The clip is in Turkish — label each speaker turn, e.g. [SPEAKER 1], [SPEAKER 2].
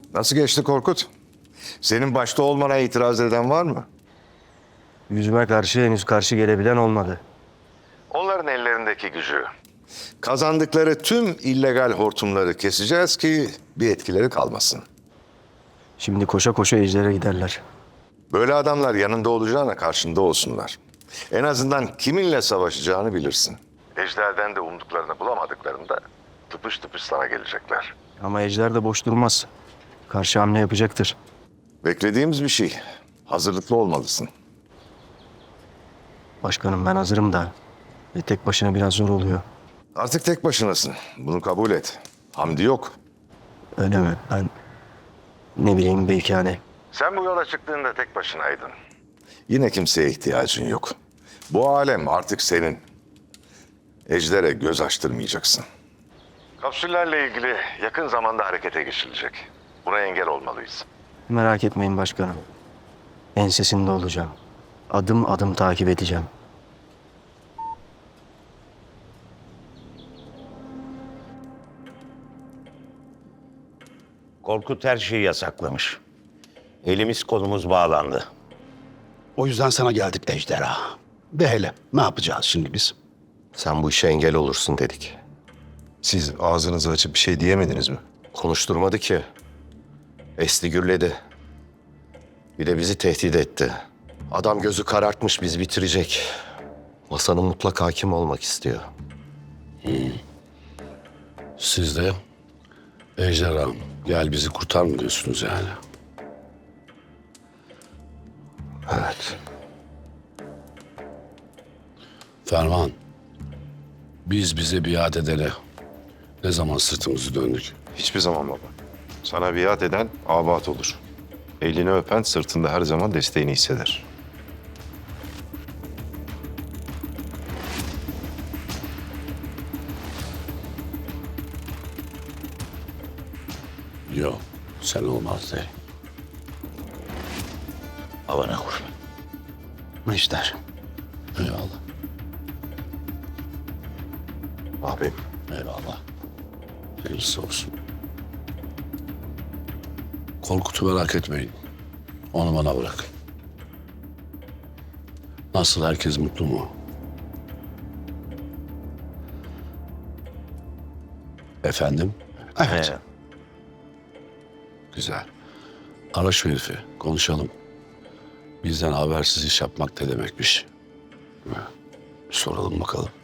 [SPEAKER 1] Nasıl geçti Korkut? Senin başta olmana itiraz eden var mı?
[SPEAKER 2] Yüzüme karşı henüz karşı gelebilen olmadı.
[SPEAKER 1] Onların ellerindeki gücü. Kazandıkları tüm illegal hortumları keseceğiz ki bir etkileri kalmasın.
[SPEAKER 2] Şimdi koşa koşa Ejder'e giderler.
[SPEAKER 1] Böyle adamlar yanında olacağına karşında olsunlar. En azından kiminle savaşacağını bilirsin. Ejder'den de umduklarını bulamadıklarında tıpış tıpış sana gelecekler.
[SPEAKER 2] Ama Ejder de boş durmaz. Karşı hamle yapacaktır.
[SPEAKER 1] Beklediğimiz bir şey. Hazırlıklı olmalısın.
[SPEAKER 2] Başkanım ben hazırım da. Tek başına biraz zor oluyor.
[SPEAKER 1] Artık tek başınasın. Bunu kabul et. Hamdi yok.
[SPEAKER 2] Öyle mi? Ben ne bileyim belki hani.
[SPEAKER 1] Sen bu yola çıktığında tek başınaydın. Yine kimseye ihtiyacın yok. Bu alem artık senin. Ejder'e göz açtırmayacaksın. Kapsüllerle ilgili yakın zamanda harekete geçilecek. Buna engel olmalıyız.
[SPEAKER 2] Merak etmeyin başkanım. Ensesinde olacağım. Adım adım takip edeceğim.
[SPEAKER 3] Korkut her şeyi yasaklamış. Elimiz kolumuz bağlandı.
[SPEAKER 4] O yüzden sana geldik Ejderha. De hele ne yapacağız şimdi biz?
[SPEAKER 5] Sen bu işe engel olursun dedik.
[SPEAKER 6] Siz ağzınızı açıp bir şey diyemediniz mi?
[SPEAKER 5] Konuşturmadı ki. Esti gürledi. Bir de bizi tehdit etti. Adam gözü karartmış, biz bitirecek. Masanın mutlak hakim olmak istiyor.
[SPEAKER 4] Siz de Ejderha gel bizi kurtar mı diyorsunuz yani?
[SPEAKER 5] Evet.
[SPEAKER 4] Ferman, biz bize biat edene ne zaman sırtımızı döndük?
[SPEAKER 6] Hiçbir zaman baba. Sana biat eden abat olur. Elini öpen sırtında her zaman desteğini hisseder.
[SPEAKER 4] Yok, sen olmaz de.
[SPEAKER 3] Havana kur.
[SPEAKER 4] Ejder. Eyvallah,
[SPEAKER 5] Abim.
[SPEAKER 4] eyvallah. Hayırlısı olsun. Korkut'u merak etmeyin. Onu bana bırak. Nasıl, herkes mutlu mu? Efendim? Evet. Güzel. Ara şu herifi, konuşalım. Bizden habersiz iş yapmak ne demekmiş? Bir soralım bakalım.